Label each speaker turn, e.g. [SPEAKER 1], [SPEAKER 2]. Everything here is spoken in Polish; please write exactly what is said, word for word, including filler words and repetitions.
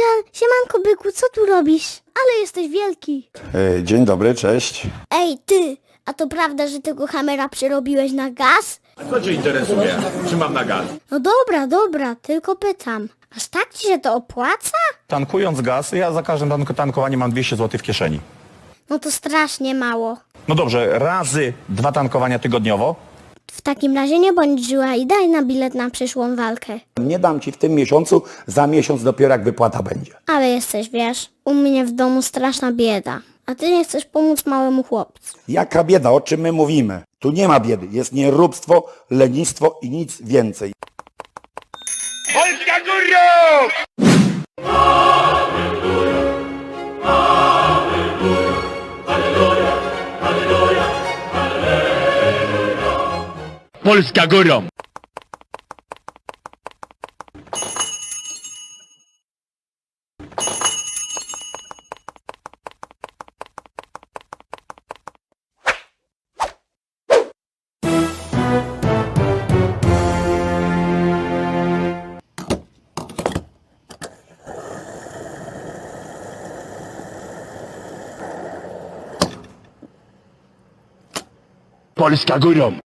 [SPEAKER 1] Sie- Siemanko, byku, co tu robisz? Ale jesteś wielki.
[SPEAKER 2] E, Dzień dobry, cześć.
[SPEAKER 1] Ej, ty, a to prawda, że tego hamera przerobiłeś na gaz?
[SPEAKER 3] Co cię interesuje? Czy mam na gaz?
[SPEAKER 1] No dobra, dobra, tylko pytam. Aż tak ci się to opłaca?
[SPEAKER 4] Tankując gaz, ja za każdym tank- tankowaniem mam dwieście złotych w kieszeni.
[SPEAKER 1] No to strasznie mało.
[SPEAKER 4] No dobrze, razy dwa tankowania tygodniowo.
[SPEAKER 1] W takim razie nie bądź żyła i daj na bilet na przyszłą walkę.
[SPEAKER 2] Nie dam ci w tym miesiącu, za miesiąc dopiero jak wypłata będzie.
[SPEAKER 1] Ale jesteś, wiesz, u mnie w domu straszna bieda. A ty nie chcesz pomóc małemu chłopcu.
[SPEAKER 2] Jaka bieda, o czym my mówimy? Tu nie ma biedy, jest nieróbstwo, lenistwo i nic więcej.
[SPEAKER 3] Polska górą! Polska górą! Polska górą!